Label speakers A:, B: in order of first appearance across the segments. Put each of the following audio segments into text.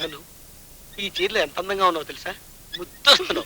A: అను, ఈ చీరలో ఎంత అందంగా ఉన్నావు తెలుసా? ముద్దొస్తున్నావు.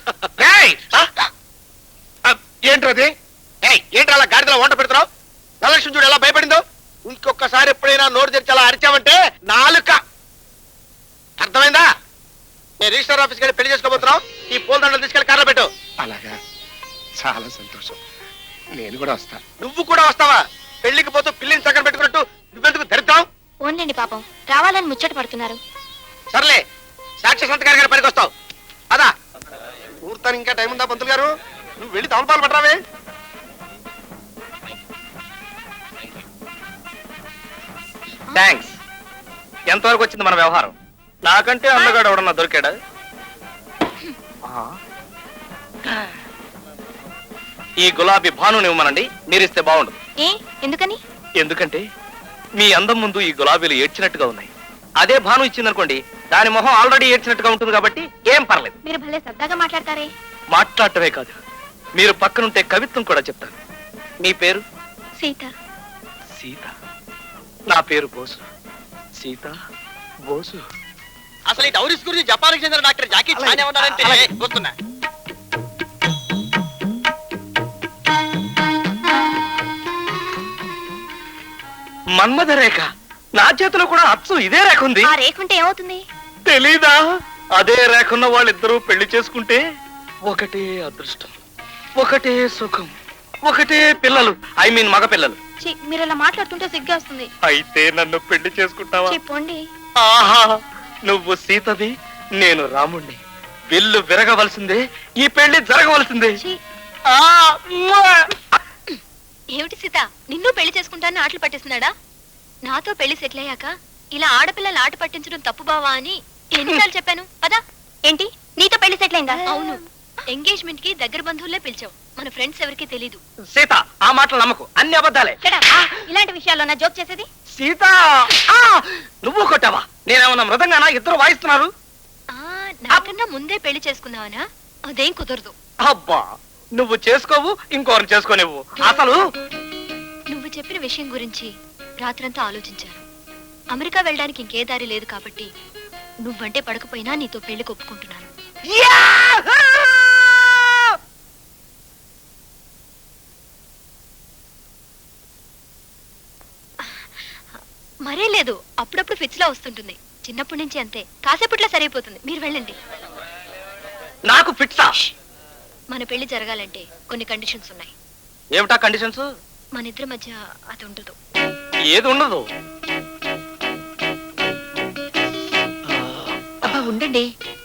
B: ఏంట్రది? ఏంట్రా అలా గాడిదలో వంట పెడుతున్నావు? నలక్ష్మి చూడు ఎలా భయపడిందో. ఇంకొకసారి ఎప్పుడైనా నోరు తెరిచి అలా అరిచావంటే నాలుక. అర్థమైందా? నేను రిజిస్టర్ ఆఫీస్కి వెళ్ళి పెళ్లి చేసుకోబోతున్నావు. ఈ పూలదండలు తీసుకెళ్లి కార్లో పెట్టు.
C: అలాగా, చాలా సంతోషం. నేను కూడా వస్తా.
B: నువ్వు కూడా వస్తావా? పెళ్లికి పోతూ పిల్లిని చక్కన పెట్టుకున్నట్టు నువ్వెందుకు ధరిద్దాం?
D: ఓన్లేండి పాపం, రావాలని ముచ్చట పడుతున్నారు.
B: సర్లే, సాక్షి సంతకారి గారి పనికి వస్తావు. అదా ఊర్తాను, ఇంకా టైం ఉందా పంతులు గారు? నువ్వు వెళ్ళి తమలపాలు పట్టరావే.
E: థ్యాంక్స్. ఎంతవరకు వచ్చింది మన వ్యవహారం? నాకంటే అందగాడు ఎవడన్నా దొరికాడా? ఈ గులాబీ భానుని ఇవ్వమనండి, మీరిస్తే బాగుండదు.
D: ఎందుకని?
E: ఎందుకంటే మీ అందం ముందు ఈ గులాబీలు ఏడ్చినట్టుగా ఉన్నాయి. అదే భాను ఇచ్చిందనుకోండి, దాని మొహం ఆల్రెడీ ఏడ్చినట్టుగా ఉంటుంది కాబట్టి ఏం పర్లేదు.
D: మీరు భలే సరదాగా మాట్లాడతారే.
E: మాట్లాడటమే కాదు, మీరు పక్కనుంటే కవిత్వం కూడా చెప్తాను. మీ పేరు?
D: సీత.
E: సీత. నా పేరు బోసు. సీత, బోసు.
A: అసలు ఈ డౌరీస్ గురించి జపాన్కి చెందిన డాక్టర్ జాకీ చాన్ ఏమన్నారంటే గుర్తున్నా.
E: మన్మథ రేఖ. నా చేతిలో కూడా అచ్చు ఇదే రేఖ ఉంది.
D: ఆ రేఖ ఉంటే ఏమవుతుంది?
E: తెలీదా? అదే రేఖన్న వాళ్ళిద్దరూ పెళ్లి చేసుకుంటే ఒకటే అదృష్టం, ఒకటే సుఖం, ఒకటే పిల్లలు. ఐ మీన్ మగ పిల్లలు.
D: మీరు ఇలా మాట్లాడుతుంటే సిగ్గా వస్తుంది.
E: అయితే నన్ను పెళ్లి చేసుకుంటావా?
D: చెప్పండి.
E: ఆహా, నువ్వు సీతవి, నేను రాముణ్ణి. విల్లు విరగవలసిందే, ఈ పెళ్లి జరగవలసిందే.
D: ఏమిటి సీత, నిన్ను పెళ్లి చేసుకుంటానని ఆటలు పట్టిస్తున్నాడా? నాతో పెళ్లి సెటిల్ అయ్యాక ఇలా ఆడపిల్లలు ఆట పట్టించడం తప్పు బావా అని ఎన్నిసార్లు చెప్పాను. పదా. ఏంటి, నీతో పెళ్లి సెటిల్ అయిందా? అవును, ఎంగేజ్మెంట్ కి దగ్గర బంధువులే పిలిచావు. మన ఫ్రెండ్స్ ఎవరికి తెలీదు.
E: సీత, ఆ మాటలు నమ్మకు, అన్ని అబద్ధాలే.
D: ఇలాంటి విషయాల్లో నా జోక్ చేసేది?
E: సీత, నువ్వు కొట్టావా? నేనేమన్నా మృదంగానా? ఇద్దరు వాయిస్తున్నారు.
D: నాకన్నా ముందే పెళ్లి చేసుకున్నావనా? అదేం కుదరదు.
E: అబ్బా, నువ్వు చేసుకోవు, ఇంకోరిని చేసుకోనివ్వు. అసలు
D: నువ్వు చెప్పిన విషయం గురించి రాత్రంతా ఆలోచించాను. అమెరికా వెళ్ళడానికి ఇంకే దారి లేదు కాబట్టి నువ్వంటే పడకపోయినా నీతో పెళ్లి ఒప్పుకుంటున్నాను. మరే లేదు, అప్పుడప్పుడు ఫిట్స్ లా వస్తుంటుంది. చిన్నప్పటి నుంచి అంతే, కాసేపట్లో సరైపోతుంది. మీరు వెళ్ళండి.
E: నాకు ఫిట్సా?
D: మన పెళ్లి జరగాలంటే కొన్ని కండిషన్స్ ఉన్నాయి.
E: ఏమిటా కండిషన్స్?
D: మన ఇద్దరి మధ్య అది ఉండదు.
E: ఏది ఉండదు?
D: ఉండండి,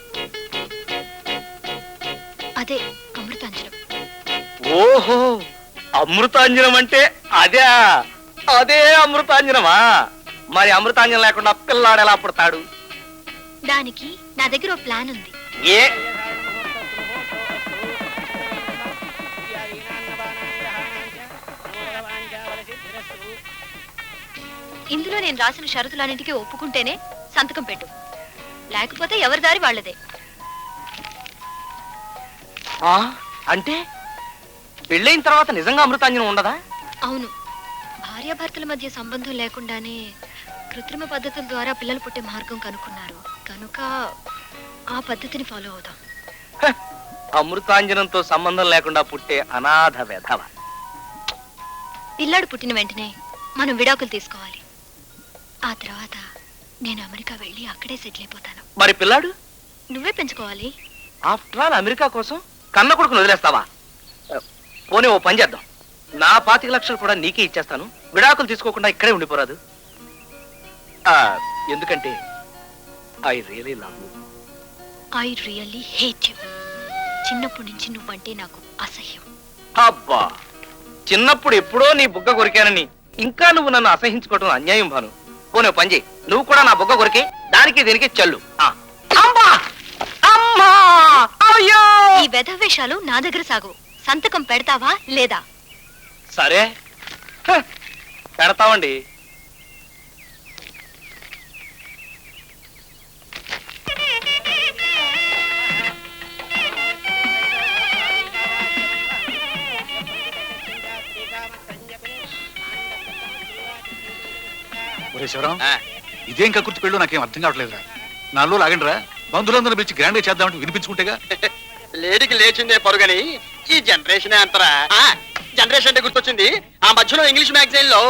D: అదే అమృతాంజనం.
E: ఓహో, అమృతాంజనం అంటే అదే. అదే అమృతాంజనమా? మరి అమృతాంజనం లేకుండా పిల్లాడు ఎలా పుడతాడు?
D: దానికి నా దగ్గర ఓ ప్లాన్ ఉంది.
E: ఏ?
D: ఇందులో నేను రాసిన షరతులన్నింటికి ఒప్పుకుంటేనే సంతకం పెట్టు, లేకపోతే ఎవరి దారి వాళ్ళదే.
E: అంటే పెళ్ళైన తర్వాత నిజంగా అమృతాంజనం ఉండదా?
D: అవును, భార్యాభర్తల మధ్య సంబంధం లేకుండానే కృత్రిమ పద్ధతుల ద్వారా పిల్లలు పుట్టే మార్గం కనుక్కున్నారు కనుక ఆ పద్ధతిని ఫాలో అవుదాం.
E: అమృతాంజనంతో సంబంధం లేకుండా పుట్టే అనాథ వెధవ.
D: పిల్లాడు పుట్టిన వెంటనే మనం విడాకులు తీసుకోవాలి. ఆ తర్వాత నేను అమెరికా వెళ్ళి అక్కడే సెటిల్ అయిపోతాను.
E: మరి పిల్లాడు
D: నువ్వే పెంచుకోవాలి.
E: ఆఫ్టర్ ఆల్ అమెరికా కోసం కన్న కొడుకును వదిలేస్తావా? పోనీ ఓ పని చేద్దాం, నా 25 లక్షలు కూడా నీకే ఇచ్చేస్తాను. విడాకులు తీసుకోకుండా ఇక్కడే ఉండిపోరాదు? ఎందుకంటే I really love you.
D: I really hate you. చిన్నప్పటి నుంచి నువ్వంటే నాకు అసహ్యం.
E: అబ్బా, చిన్నప్పుడు ఎప్పుడో నీ బుగ్గ కొరికానని ఇంకా నువ్వు నన్ను అసహించుకోవటం అన్యాయం భాను. పోనీ పని చేయి, నువ్వు కూడా నా బుగ్గ కొరికే దానికి దీనికి చల్లు.
D: ఈ వెధవేషాలు నా దగ్గర సాగవు. సంతకం పెడతావా లేదా?
E: సరే, పెడతామండి.
C: శివరాం, ఇదేం కక్కుర్తి పెళ్ళు నాకేం అర్థం కావట్లేదురా. నాలో లాగండిరా బంధువులందరూ పిలిచి గ్రాండ్ గా చేద్దామంటే వినిపించుకుంటేగా.
A: లేడీకి లేచిందే పరుగని ఈ జనరేషన్ అంతరా జనరేషన్ అంటే గుర్తొచ్చింది. ఆ మధ్యలో ఇంగ్లీష్ మ్యాగజైన్ లో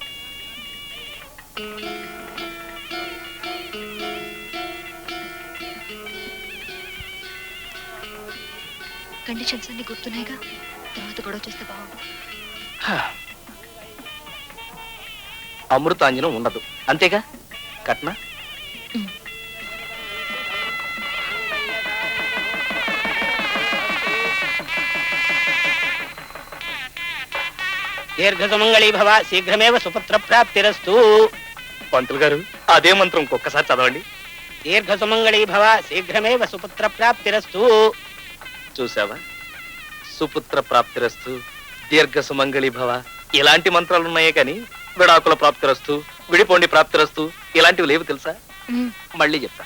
D: కండిషన్స్ అన్ని గుర్తున్నాయిగా, తర్వాత గొడవ చేస్తే బాగుండు.
E: అమృతాంజనం ఉండదు అంతేగా కట్న.
F: దీర్ఘసుమంగళీ భవ శీఘ్రమేవ సుపుత్ర ప్రాప్తిరస్తు.
E: పంతులు గారు అదే మంత్రం ఇంకొకసారి చదవండి.
F: దీర్ఘసుమంగళీ భవ శీఘ్రమేవ సుపుత్ర ప్రాప్తిరస్తు.
E: చూసావా, సుపుత్ర ప్రాప్తిరస్తు, దీర్ఘ సుమంగళి భవ ఇలాంటి మంత్రాలు ఉన్నాయే కానీ విడాకుల ప్రాప్తిరస్తు, విడిపోండి ప్రాప్తిరస్తు ఇలాంటివి లేవు తెలుసా. మళ్ళీ చెప్తా.